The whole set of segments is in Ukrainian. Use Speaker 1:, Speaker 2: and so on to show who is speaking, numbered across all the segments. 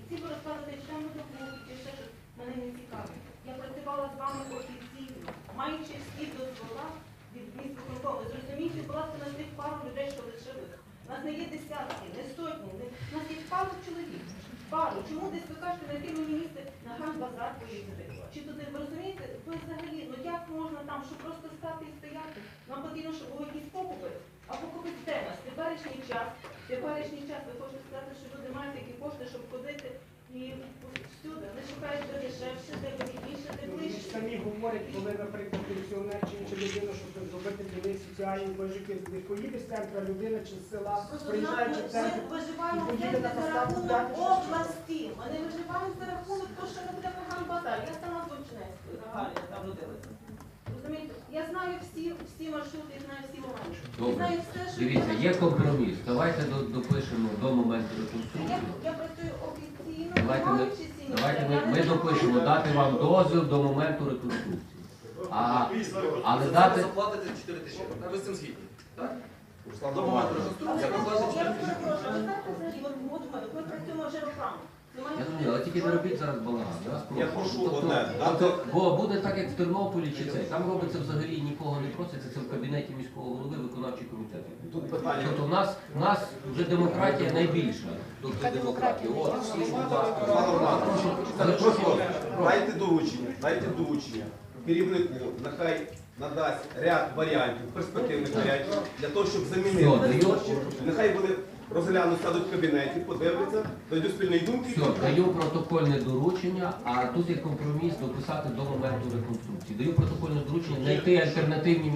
Speaker 1: Всі ви розказуєте, що там доходить, чи ще щось, мене не цікавить. Я працювала з вами офіційно, маючи всі дозвола від міськвиконкому. Зрозумійте, будь ласка, на тих пару людей, що лишилися. У нас не є десятки, не сотні, у нас є пару чоловік. Пару. Чому десь ви кажете, знайти мені місце на Хан-базар поїздити? Чи туди, ви розумієте, ви взагалі, ну як можна там, щоб просто стати і стояти? Нам потрібно, щоб були якісь покупи. А покупець де нас? Теперішній час, ви хочете сказати, що люди мають такі кошти, щоб ходити і всюди. Вони шукають де дешевше, де вигідніше, де
Speaker 2: Вони ж
Speaker 1: ближче.
Speaker 2: самі говорять, коли, наприклад, пенсіонер чи інша людина, щоб зробити для них соціальні пожитки, не поїде з центра людина чи з села, приїжджаючи в центр,
Speaker 1: Ми виживаємо
Speaker 2: і поїде на
Speaker 1: за
Speaker 2: поставку
Speaker 1: рахунок
Speaker 2: дати
Speaker 1: області. Ми не виживаємо за рахунок того, що не буде Хан-базар. Я сама з Дончинецької, Гагаріна, там родилася. Розумієте? Я знаю всі маршрути, я знаю всі моменти. Я
Speaker 3: Добре.
Speaker 1: знаю все, що...
Speaker 3: Дивіться, є компроміс. Давайте допишемо до моменту реконструкції.
Speaker 1: Я працюю офіційно,
Speaker 3: Давайте
Speaker 1: маючи ці
Speaker 3: ми допишемо, дати вам дозвіл до моменту реконструкції. Але дати...
Speaker 4: заплатите 4 тисячі. Ви з цим згідні? Так?
Speaker 5: Руслан
Speaker 4: До моменту
Speaker 5: Романович,
Speaker 4: реконструкції заплатите
Speaker 1: Я
Speaker 4: 4 тисячі.
Speaker 1: перепрошую, ви знаєте взагалі, ми працюємо вже роками.
Speaker 3: Я розумію, але тільки не робіть зараз балаган.
Speaker 5: Я прошу одне,
Speaker 3: Бо буде так, як в Тернополі чи це. Там робиться взагалі нікого не проситься, це в кабінеті міського голови виконавчий комітет.
Speaker 5: тут питання.
Speaker 3: Тобто в нас вже демократія найбільша. Тобто демократія. От, всі, будь ласка.
Speaker 5: Руслан Романович,
Speaker 3: Але
Speaker 5: просто дайте доручення керівнику, нехай надасть ряд варіантів, перспективних варіантів, для того, щоб замінити.
Speaker 3: Все, даю.
Speaker 5: Нехай вони розглянуть, сядуть в кабінеті, подивляться, дойдуть спільної думки.
Speaker 3: Все, даю протокольне доручення, а тут є компроміс дописати до моменту реконструкції. Даю протокольне доручення знайти альтернативні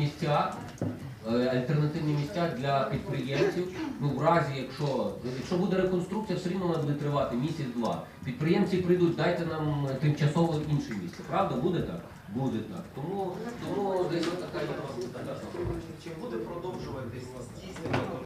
Speaker 3: місця для підприємців. Ну, в разі, якщо буде реконструкція, все рівно вона буде тривати місяць-два. Підприємці прийдуть, дайте нам тимчасово інше місце. Правда? Буде так? Буде так. Тому десь отака.